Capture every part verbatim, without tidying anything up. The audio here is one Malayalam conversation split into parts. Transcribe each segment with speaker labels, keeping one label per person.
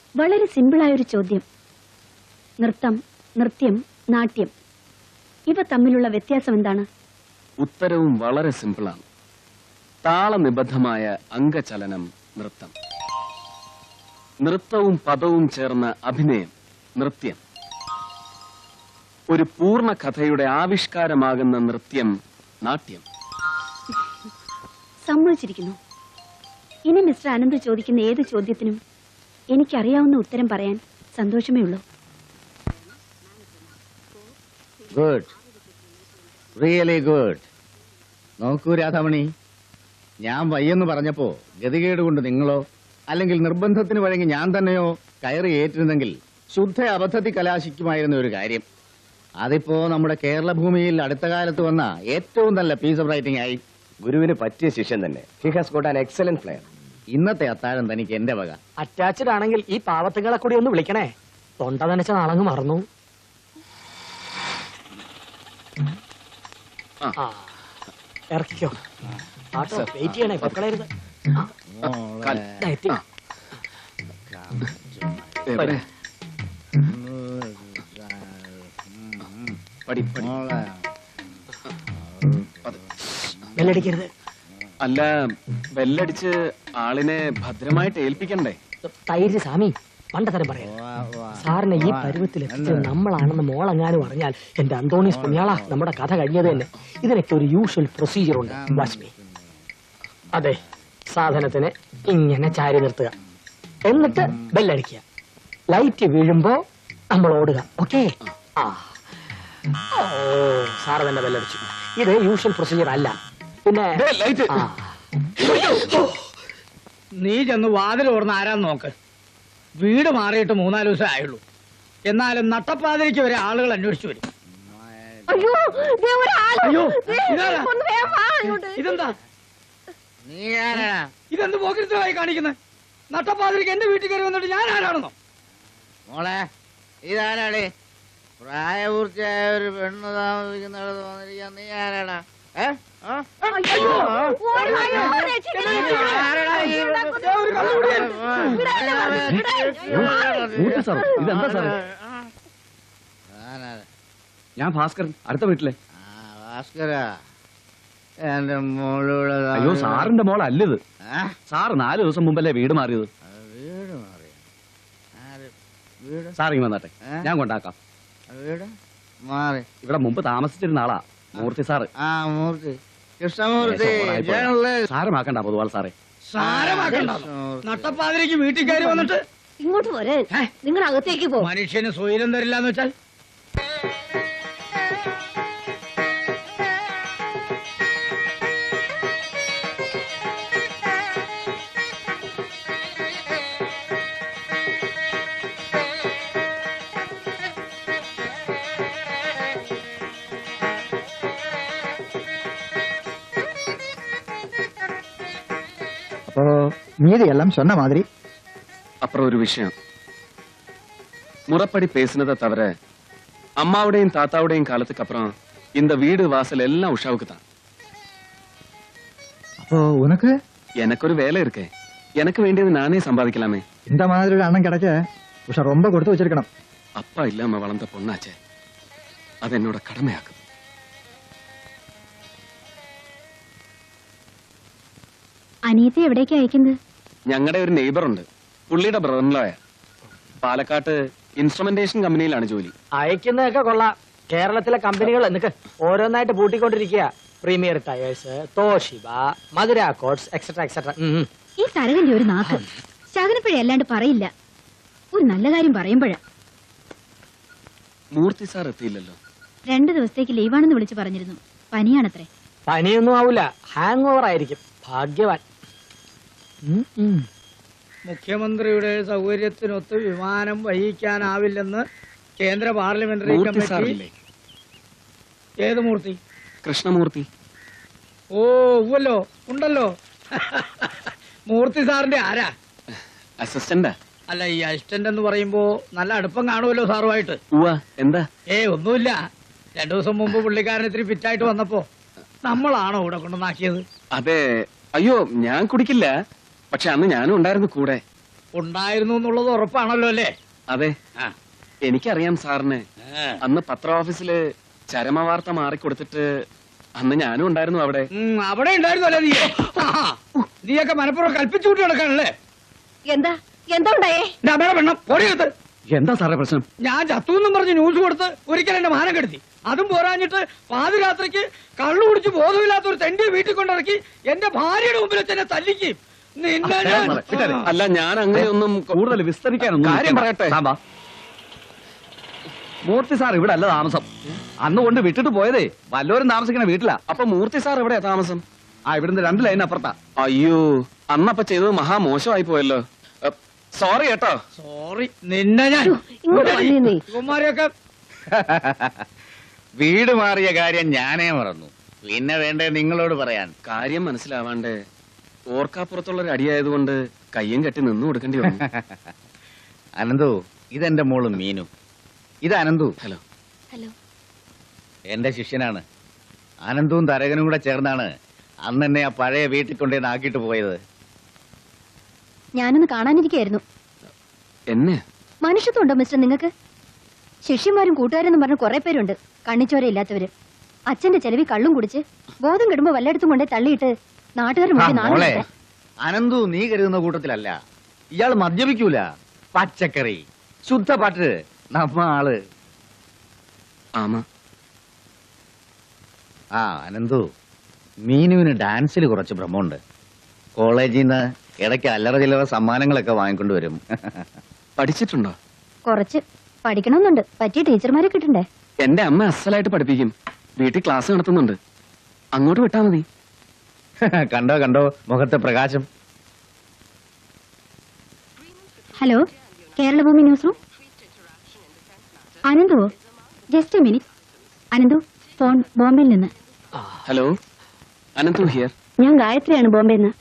Speaker 1: വളരെ സിമ്പിളായൊരു ചോദ്യം. നൃത്തം, നൃത്യം, നാട്യം ഇവ തമ്മിലുള്ള വ്യത്യാസം എന്താണ്?
Speaker 2: ഉത്തരവും വളരെ സിമ്പിളാണ്. താളനിബദ്ധമായ അംഗചലനം നൃത്തം. നൃത്തവും പദവും ചേർന്ന അഭിനയം നൃത്യം. ഒരു പൂർണ്ണ കഥയുടെ ആവിഷ്കാരമാകുന്ന നൃത്യം നാട്യം.
Speaker 1: സമ്മതിച്ചിരിക്കുന്നു. ഇനി മിസ്റ്റർ അനന്ത് ചോദിക്കുന്ന ഏത് ചോദ്യത്തിനും എനിക്കറിയാവുന്ന ഉത്തരം പറയാൻ സന്തോഷമേ ഉള്ളൂ.
Speaker 3: Good, really good. നോക്കൂ രാധാമണി, ഞാൻ വയ്യെന്ന് പറഞ്ഞപ്പോ ഗതികേട് കൊണ്ട് നിങ്ങളോ അല്ലെങ്കിൽ നിർബന്ധത്തിന് വഴങ്ങി ഞാൻ തന്നെയോ കയറി ഏറ്റിരുന്നെങ്കിൽ ശുദ്ധ അബദ്ധത്തിൽ കലാശിക്കുമായിരുന്ന ഒരു കാര്യം. അതിപ്പോ നമ്മുടെ കേരള ഭൂമിയിൽ അടുത്ത കാലത്ത് വന്ന ഏറ്റവും നല്ല പീസ് ഓഫ് റൈറ്റിംഗ് ആയി.
Speaker 4: ഗുരുവിന് പറ്റിയ ശിഷ്യൻ തന്നെ. He has got an excellent player.
Speaker 3: ഇന്നത്തെ അത്താഴം തനിക്ക് എന്റെ വക.
Speaker 5: അറ്റാച്ച്ഡ് ആണെങ്കിൽ ഈ പാവത്തുകളെ കൂടി ഒന്ന് വിളിക്കണേ. തൊണ്ട നനച്ച നാളങ്ങ് മറന്നു. ഇറക്കിക്കോ. ആട്ടോ വെയിറ്റ് ചെയ്യണേ, പൊക്കളരുത്. ബെല്ലടിക്കരുത്.
Speaker 2: അല്ല, ബെല്ലടിച്ച് ആളിനെ ഭദ്രമായിട്ട് ഏൽപ്പിക്കണ്ടേ?
Speaker 5: തൈര് സ്വാമി പണ്ടതരം പറയാം. സാറിനെ ഈ പരുവത്തിൽ എത്തിച്ചത് നമ്മളാണെന്ന് മോളെങ്ങാനും അറിഞ്ഞാൽ എന്റെ അന്തോണീസ് പുണ്യാള, നമ്മുടെ കഥ കഴിഞ്ഞത് തന്നെ. ഇതിനൊക്കെ ഒരു യൂഷ്വൽ പ്രൊസീജിയർ ഉണ്ട്. വാച്ച്മി. അതെ, സാധനത്തിന് ഇങ്ങനെ ചാരി നിർത്തുക, എന്നിട്ട് ബെല്ലടിക്കുക. ലൈറ്റ് വീഴുമ്പോ നമ്മൾ ഓടുക. ഓക്കെ? ആ ഓ, സാറ് തന്നെ ബെല്ലടിച്ചു. ഇത് യൂഷ്വൽ പ്രൊസീജിയർ അല്ല. പിന്നെ
Speaker 6: നീ ചെന്ന് വാതിൽ ഓർന്ന് ആരാന്ന് നോക്ക്. വീട് മാറിയിട്ട് മൂന്നാല് ദിവസം ആയുള്ളൂ. എന്നാലും നട്ടപ്പാതിരിക്ക് വരെ ആളുകൾ അന്വേഷിച്ചു വരും. അയ്യോ, ഇതെന്താ ഇതെന്ത് പോക്കിരിത്തമായി കാണിക്കുന്നത്? നട്ടപ്പാതിരിക്ക് എന്റെ വീട്ടിൽ കയറി വന്നിട്ട് ഞാൻ ആരാണെന്നോ?
Speaker 3: മോളെ, ഇതാരാടേ? പ്രായപൂർത്തിയായ ഒരു പെണ്ണ് താമസിക്കുന്നിടത്ത് വന്നിരിക്കാൻ നീ ആരാടാ?
Speaker 2: ഇതെന്താ സാറേ? ഞാൻ ഭാസ്കരൻ, അടുത്ത വീട്ടിലെ.
Speaker 3: ഭാസ്കര, എന്റെ മോളൂടെ.
Speaker 2: അയ്യോ, സാറിന്റെ മോളല്ലത്. സാറ് നാല് ദിവസം മുമ്പല്ലേ വീട് മാറിയത്.
Speaker 3: വീട് മാറിയ വീട്
Speaker 2: സാർ ഇങ്ങ് വന്നാട്ടെ, ഞാൻ കൊണ്ടാക്കാം.
Speaker 3: വീട് മാറി
Speaker 2: ഇവിടെ മുമ്പ് താമസിച്ചിരുന്ന ആളാ മൂർത്തി സാറ്.
Speaker 3: ആ, മൂർത്തി, കൃഷ്ണമൂർത്തി.
Speaker 2: സാരമാക്കണ്ട പൊതുവാൾ സാറേ.
Speaker 6: സാരമാക്കണ്ട. നട്ടപ്പാതിരിക്ക് വീട്ടിൽ കയറി വന്നിട്ട്
Speaker 1: ഇങ്ങോട്ട് പോരെ, നിങ്ങൾ അകത്തേക്ക് പോ.
Speaker 6: മനുഷ്യന് സ്വൈരം തരില്ലാന്ന് വെച്ചാൽ
Speaker 7: மீதி எல்லாம் சொன்ன மாதிரி.
Speaker 2: அப்புறம் ஒரு விஷயம், முறப்படி பேசினதை தவிர அம்மாவுடையும் தாத்தாவுடையும் காலத்துக்கு அப்புறம் இந்த வீடு வாசல் எல்லாம் உஷாவுக்கு தான்.
Speaker 7: அப்போ உனக்கு?
Speaker 2: எனக்கு ஒரு வேலை இருக்கு. எனக்கு வேண்டியது நானே சம்பாதிக்கலாமே.
Speaker 7: இந்த மாதிரி ஒரு அண்ணன் கிடைக்க உஷா ரொம்ப கொடுத்து வச்சிருக்கணும்.
Speaker 2: அப்பா இல்லாம வளர்ந்த பொண்ணாச்சே, அது என்னோட கடமையாக்குது.
Speaker 1: അനിയത്തെ എവിടേക്ക് അയക്കുന്നത്?
Speaker 2: ഞങ്ങളുടെ ഒരു നെയ്ബർ ഉണ്ട്, പുള്ളിയുടെ ബ്രദറിൻലോയാ. പാലക്കാട്ട് ഇൻസ്ട്രുമെന്റേഷൻ കമ്പനിയിലാണ് ജോലി.
Speaker 5: അയക്കുന്നതൊക്കെ കൊള്ളാം. കേരളത്തിലെ കമ്പനികൾ എന്നൊക്കെ ഓരോന്നായിട്ട് പൂട്ടിക്കൊണ്ടിരിക്കുക. Premier Tyres, Toshiba, Madura Coats, etcetera etcetera.
Speaker 1: ഈ തരകന്റെ ഒരു നാക്ക് ശകനപ്പഴ അല്ലാണ്ട് പറയില്ല. ഒരു നല്ല കാര്യം പറയുമ്പോഴാ.
Speaker 2: മൂർത്തി സാർ എത്തിയില്ലല്ലോ.
Speaker 1: രണ്ടു ദിവസത്തേക്ക് ലീവാണെന്ന് വിളിച്ചു പറഞ്ഞിരുന്നു. പനിയാണത്രേ.
Speaker 5: പനിയൊന്നും ആവൂല, ഹാങ് ഓവർ ആയിരിക്കും. ഭാഗ്യവാൻ.
Speaker 6: മുഖ്യമന്ത്രിയുടെ സൗകര്യത്തിനൊത്ത് വിമാനം വഹിക്കാനാവില്ലെന്ന് കേന്ദ്ര പാർലമെന്ററി കമ്മിറ്റി. ഏത് മൂർത്തി?
Speaker 2: കൃഷ്ണമൂർത്തി.
Speaker 6: ഓ ഉവ്വല്ലോ, ഉണ്ടല്ലോ. മൂർത്തി സാറിന്റെ ആരാ?
Speaker 2: അസിസ്റ്റന്റാ.
Speaker 6: അല്ല, ഈ അസിസ്റ്റന്റ് എന്ന് പറയുമ്പോ നല്ല അടുപ്പം കാണുമല്ലോ സാറുമായിട്ട്.
Speaker 2: എന്താ?
Speaker 6: ഏ ഒന്നുമില്ല. രണ്ടു ദിവസം മുമ്പ് പുള്ളിക്കാരൻ ഇത്തിരി ഫിറ്റായിട്ട് വന്നപ്പോ നമ്മളാണോ ഇവിടെ കൊണ്ടുവന്നാക്കിയത്?
Speaker 2: അതെ. അയ്യോ, ഞാൻ കുടിക്കില്ല. പക്ഷെ അന്ന് ഞാനും ഉണ്ടായിരുന്നു കൂടെ.
Speaker 6: ഉണ്ടായിരുന്നു എന്നുള്ളത് ഉറപ്പാണല്ലോ അല്ലേ?
Speaker 2: അതെ,
Speaker 6: ആ.
Speaker 2: എനിക്കറിയാം സാറിന്.
Speaker 6: ആ.
Speaker 2: അന്ന് പത്ര ഓഫീസില് ചരമവാർത്ത മാറിക്കൊടുത്തിട്ട് അന്ന് ഞാനും ഉണ്ടായിരുന്നു അവിടെ.
Speaker 6: ഉം, അവിടെ ഉണ്ടായിരുന്നല്ലേ നീ? ആ, നീയൊക്കെ മനപ്പുറം കൽപ്പിച്ചു കൂട്ടി നടക്കാനല്ലേ?
Speaker 1: എന്താ എന്താ ഉണ്ടായേ?
Speaker 6: എന്റെ അമ്മയുടെ പെണ്ണം പൊടിയത്
Speaker 2: എന്താ സാറേ പ്രശ്നം?
Speaker 6: ഞാൻ ചത്തു എന്നും പറഞ്ഞ് ന്യൂസ് കൊടുത്ത് ഒരിക്കൽ എന്റെ മാനം കെടുത്തി. അതും പോരാഞ്ഞിട്ട് പാതിരാത്രിക്ക് കള്ളു കുടിച്ച് ബോധമില്ലാത്ത ഒരു തെണ്ടി വീട്ടിൽ കൊണ്ടിറക്കി എന്റെ ഭാര്യയുടെ മുമ്പിൽ വെച്ച് എന്നെ തല്ലിക്കും. നിന്നെ ഞാൻ-
Speaker 2: അല്ല, ഞാൻ അങ്ങനെയൊന്നും
Speaker 3: കൂടുതൽ വിസ്തരിക്കാനൊന്നും
Speaker 2: കാര്യം പറയട്ടെ.
Speaker 3: മൂർത്തി സാർ ഇവിടെ അല്ല താമസം. അന്ന് കൊണ്ട് വിട്ടിട്ട് പോയതേ വല്ലോരും താമസിക്കണ വീട്ടിലാ.
Speaker 2: അപ്പൊ മൂർത്തി സാർ എവിടെയാ താമസം?
Speaker 3: ആ ഇവിടുന്ന് രണ്ട് ലൈൻ അപ്പുറത്താ.
Speaker 2: അയ്യോ, അന്നപ്പ ചെയ്തത് മഹാ മോശമായി പോയല്ലോ. സോറി കേട്ടോ.
Speaker 6: സോറി, നിന്നെ ഞാൻ
Speaker 1: ഇങ്ങോട്ട് വന്നേ നീ.
Speaker 6: കുമാരിയൊക്കെ
Speaker 3: വീട് മാറിയ കാര്യം ഞാനേ മറന്നു. പിന്നെ വേണ്ടേ നിങ്ങളോട് പറയാൻ?
Speaker 2: കാര്യം മനസ്സിലാവാണ്ട് ഓർക്കാപ്പുറത്തുള്ള ഒരു അടിയായതുകൊണ്ട് കയ്യും കെട്ടി നിന്നു കൊടുക്കേണ്ടി വന്നു.
Speaker 3: അനന്തു, ഇതെന്റെ മോള് മീനു. ഇത് അനന്തു,
Speaker 2: ഹലോ.
Speaker 1: ഹലോ.
Speaker 3: എന്റെ ശിഷ്യനാണ്. അനന്തുവും തരകനും കൂടെ ചേർന്നാണ് അന്ന് എന്നെ ആ പഴയ വീട്ടിൽ കൊണ്ടേ ആക്കിയിട്ട് പോയത്.
Speaker 1: ഞാനൊന്ന് കാണാനിരിക്കായിരുന്നു.
Speaker 2: എന്നെ?
Speaker 1: മനുഷ്യത്വം ഉണ്ടോ മിസ്റ്റർ നിങ്ങൾക്ക്? ശിഷ്യന്മാരും കൂട്ടുകാരെന്നും പറഞ്ഞ കുറെ പേരുണ്ട്, കണ്ണിച്ചോരയില്ലാത്തവര്. അച്ഛന്റെ ചെലവി കള്ളും കുടിച്ച് ബോധം കെടുമ്പോ വല്ലയിടത്തും കൊണ്ടേ തള്ളിയിട്ട് നാട്ടുകാർ
Speaker 3: ആ,
Speaker 1: മുന്നിൽ
Speaker 3: മോളെ,
Speaker 1: നാളെ
Speaker 3: അനന്തു നീ കരുതുന്ന കൂട്ടത്തിലല്ല. ഇയാൾ മദ്യപിക്കൂല, പച്ചക്കറി, ശുദ്ധപാട്ട്, നമ്മ ആള്.
Speaker 2: ആമാ.
Speaker 3: ആ അനന്തു, മീനുവിന് ഡാൻസിൽ കുറച്ച് ഭ്രമമുണ്ട്. കോളേജിൽ നിന്ന് ഇടയ്ക്ക് അല്ലറ ചില്ലറ സമ്മാനങ്ങളൊക്കെ വാങ്ങിക്കൊണ്ടുവരും.
Speaker 2: പഠിച്ചിട്ടുണ്ടോ?
Speaker 1: കുറച്ച് പഠിക്കണമെന്നുണ്ട്. പറ്റിയ ടീച്ചർമാരെ കിട്ടണ്ടേ?
Speaker 2: എന്റെ അമ്മ അസലായിട്ട് പഠിപ്പിക്കും. വീട്ടിൽ ക്ലാസ് നടത്തുന്നുണ്ട്. അങ്ങോട്ട് വിട്ടാ മതി.
Speaker 3: കണ്ടോ കണ്ടോ മുഖത്തെ പ്രകാശം.
Speaker 1: Hello, Keralabhoomi news room. Ananthu, just a minute. Ananthu, phone ബോംബെയിൽ നിന്ന്.
Speaker 2: Hello, Ananthu here.
Speaker 1: ഞാൻ ഗായത്രിയാണ്, ബോംബെന്ന്.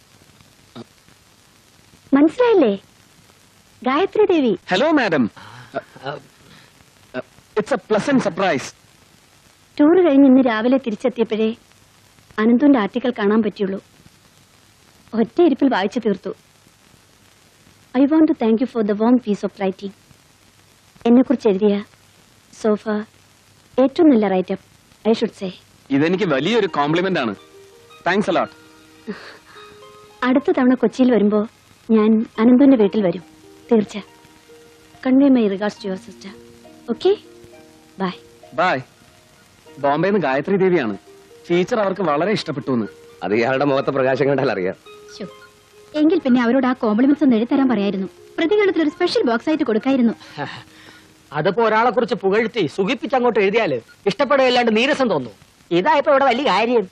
Speaker 1: മനസ്സിലായില്ലേ? Gayathri Devi.
Speaker 2: Hello madam, it's a pleasant surprise.
Speaker 1: Tour കഴിഞ്ഞ് ഇന്ന് രാവിലെ തിരിച്ചെത്തിയപ്പോഴേ അനന്തുവിന്റെ ആർട്ടിക്കൽ കാണാൻ പറ്റുള്ളൂ. ഒറ്റ ഇരിപ്പിൽ വായിച്ചു തീർത്തു. I want to thank you for the warm piece of writing. എന്നെക്കുറിച്ച് എഴുതിയ സോഫ ഏറ്റവും നല്ല റൈറ്റപ്പ്, ഐ ഷുഡ് സേ.
Speaker 2: ഇതെനിക്ക് വലിയൊരു കോംപ്ലിമെന്റ് ആണ്. Thanks a lot.
Speaker 1: അടുത്ത തവണ കൊച്ചിയിൽ വരുമ്പോ ഞാൻ അനന്തുവിന്റെ വീട്ടിൽ വരും, തീർച്ച. Convey my regards to your sister. Okay, bye.
Speaker 2: Bye. ബോംബെന്ന് ഗായത്രി ദേവിയാണ്. ടീച്ചർ അവർക്ക് വളരെ ഇഷ്ടപ്പെട്ടു എന്ന്.
Speaker 4: അത് ഇയാളുടെ മുഖത്തെ പ്രകാശം കണ്ടാൽ അറിയാം.
Speaker 1: ശോ, എങ്കിൽ പിന്നെ അവരോട് ആ കോംപ്ലിമെന്റ്സ് ഒന്ന് എഴുതരാൻ പറയായിരുന്നു. പ്രതികരണത്തിൽ ഒരു സ്പെഷ്യൽ ബോക്സ് ആയിട്ട് കൊടുക്കായിരുന്നു.
Speaker 5: അതിപ്പോ ഒരാളെ കുറിച്ച് പുകഴ്ത്തി സുഖിപ്പിച്ച് അങ്ങോട്ട് എഴുതിയാല് ഇഷ്ടപ്പെടുകയല്ലാണ്ട് നീരസം തോന്നും. ഇതായപ്പോ ഇവിടെ വലിയ കാര്യം.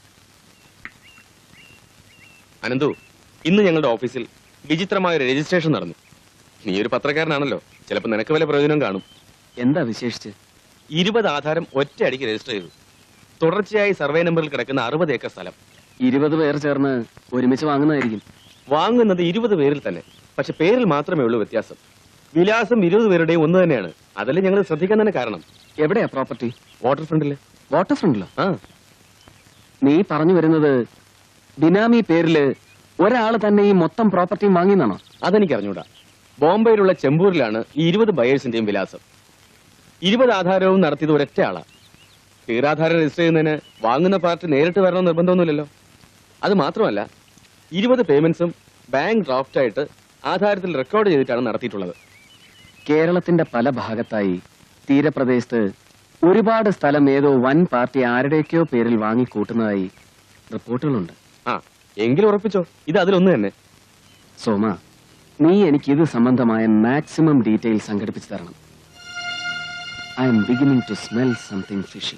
Speaker 8: അനന്തു, ഇന്ന് ഞങ്ങളുടെ ഓഫീസിൽ വിചിത്രമായ ഒരു രജിസ്ട്രേഷൻ നടന്നു. നീ ഒരു പത്രക്കാരനാണല്ലോ, ചിലപ്പോൾ നിനക്ക് വല്ല പ്രയോജനം കാണും.
Speaker 2: എന്താ വിശേഷിച്ച്?
Speaker 8: ഇരുപത് ആധാരം ഒറ്റ അടിക്ക് രജിസ്റ്റർ ചെയ്തു. തുടർച്ചയായി സർവേ നമ്പറിൽ കിടക്കുന്ന അറുപത് ഏക്കർ സ്ഥലം.
Speaker 2: ഇരുപത് പേർ ചേർന്ന് ഒരുമിച്ച് വാങ്ങുന്നതായിരിക്കും.
Speaker 8: വാങ്ങുന്നത് ഇരുപത് പേരിൽ തന്നെ, പക്ഷെ പേരിൽ മാത്രമേ ഉള്ളൂ വ്യത്യാസം. വിലാസം ഇരുപത് പേരുടെയും ഒന്ന് തന്നെയാണ്. അതല്ലേ ഞങ്ങൾ ശ്രദ്ധിക്കാൻ തന്നെ കാരണം.
Speaker 2: എവിടെയാ പ്രോപ്പർട്ടി?
Speaker 8: വാട്ടർ ഫ്രണ്ടില്.
Speaker 2: വാട്ടർ ഫ്രണ്ടിലോ?
Speaker 8: ആ,
Speaker 2: നീ പറഞ്ഞു വരുന്നത് ബിനാമി പേരില് ഒരാള് തന്നെ ഈ മൊത്തം പ്രോപ്പർട്ടിയും വാങ്ങിയെന്നാണോ?
Speaker 8: അതെനിക്ക് അറിഞ്ഞൂടാ. ബോംബെയിലുള്ള ചെമ്പൂരിലാണ് ഈ ഇരുപത് ബയേഴ്സിന്റെയും വിലാസം. ഇരുപത് ആധാരവും നടത്തിയത് ഒരൊറ്റ ആളാ. പേരാധാരം രജിസ്റ്റർ ചെയ്യുന്നതിന് വാങ്ങുന്ന പാർട്ടി നേരിട്ട് വരണമെന്ന് നിർബന്ധമൊന്നുമില്ലല്ലോ. അത് മാത്രമല്ല, ഇരുപത് പേയ്മെന്റ്സും ബാങ്ക് ഡ്രാഫ്റ്റായിട്ട് ആധാരത്തിൽ റെക്കോർഡ് ചെയ്തിട്ടാണ് നടത്തിയിട്ടുള്ളത്.
Speaker 2: കേരളത്തിന്റെ പല ഭാഗത്തായി തീരപ്രദേശത്ത് ഒരുപാട് സ്ഥലം ഏതോ വൻ പാർട്ടി ആരുടെയൊക്കെയോ പേരിൽ വാങ്ങിക്കൂട്ടുന്നതായി റിപ്പോർട്ടുകളുണ്ട്.
Speaker 8: ആ, എങ്കിലും ഉറപ്പിച്ചോ, ഇത് അതിലൊന്ന് തന്നെ.
Speaker 2: സോമ, നീ എനിക്ക് ഇത് സംബന്ധമായ മാക്സിമം ഡീറ്റെയിൽ സംഘടിപ്പിച്ചു തരണം. I'm beginning to smell something fishy.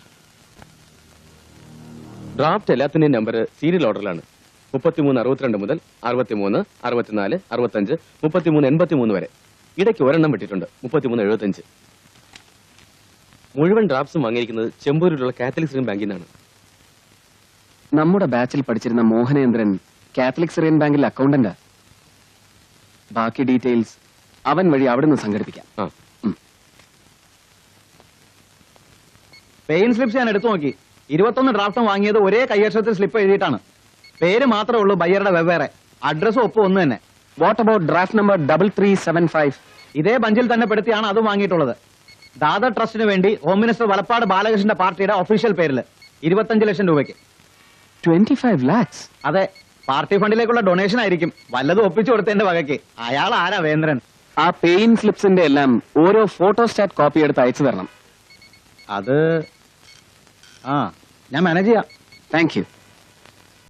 Speaker 8: Draft എല്ലാത്തിന്റെയും നമ്പർ സീരിയൽ ഓർഡറിലാണ്. മുപ്പത്തിമൂന്ന് അറുപത്തിരണ്ട് മുതൽ അറുപത്തിമൂന്ന് അറുപത്തിനാല് അറുപത്തഞ്ച് മുപ്പത്തിമൂന്ന് എൺപത്തിമൂന്ന് വരെ. ഇടയ്ക്ക് ഒരെണ്ണം വിട്ടിട്ടുണ്ട്, മുപ്പത്തിമൂന്ന് എഴുപത്തഞ്ച്. മുഴുവൻ ഡ്രാഫ്റ്റ്സും വാങ്ങിയിരിക്കുന്നത് ചെമ്പൂരിലുള്ള കാത്തലിക് സിറിയൻ ബാങ്കിൽ നിന്നാണ്.
Speaker 2: നമ്മുടെ ബാച്ചിൽ പഠിച്ചിരുന്ന മോഹനേന്ദ്രൻ കാത്തലിക് സിറിയൻ ബാങ്കിൽ അക്കൗണ്ടന്റാ. ബാക്കി ഡീറ്റെയിൽസ് അവൻ വഴി അവിടുന്ന് സംഘടിപ്പിക്കാം.
Speaker 8: ആ,
Speaker 3: പെയിൻ സ്ലിപ്സ് ഞാൻ എടുത്തു നോക്കി. ഇരുപത്തൊന്ന് ഡ്രാഫ്റ്റും വാങ്ങിയത് ഒരേ കൈയക്ഷരത്തിൽ സ്ലിപ്പ് എഴുതിയിട്ടാണ്. പേര് മാത്രമേ ഉള്ളൂ ബയ്യറുടെ വെവ്വേറെ. അഡ്രസ്സും ഒപ്പം ഒന്ന് തന്നെ.
Speaker 2: What about draft number double three seven five?
Speaker 3: ഇതേ ബഞ്ചിൽ തന്നെ പെടുത്തിയാണ് അതും വാങ്ങിയിട്ടുള്ളത്. ദാദർ ട്രസ്റ്റിന് വേണ്ടി ഹോം മിനിസ്റ്റർ വലപ്പാട് ബാലകൃഷ്ണന്റെ പാർട്ടിയുടെ ഒഫീഷ്യൽ പേരിൽ ഇരുപത്തഞ്ച് ലക്ഷം രൂപയ്ക്ക്.
Speaker 2: Twenty five lakhs?
Speaker 3: അതെ, പാർട്ടി ഫണ്ടിലേക്കുള്ള ഡൊണേഷൻ ആയിരിക്കും. വല്ലതും ഒപ്പിച്ചു കൊടുത്തതിന്റെ വകയ്ക്ക്. അയാൾ ആരാ വേന്ദ്രൻ?
Speaker 2: ആ പേയിങ് സ്ലിപ്സിന്റെ എല്ലാം ഓരോ ഫോട്ടോസ്റ്റാറ്റ് കോപ്പി എടുത്ത് അയച്ചു തരണം.
Speaker 3: അത് ആ ഞാൻ മാനേജ് ചെയ്യാം.
Speaker 2: Thank U.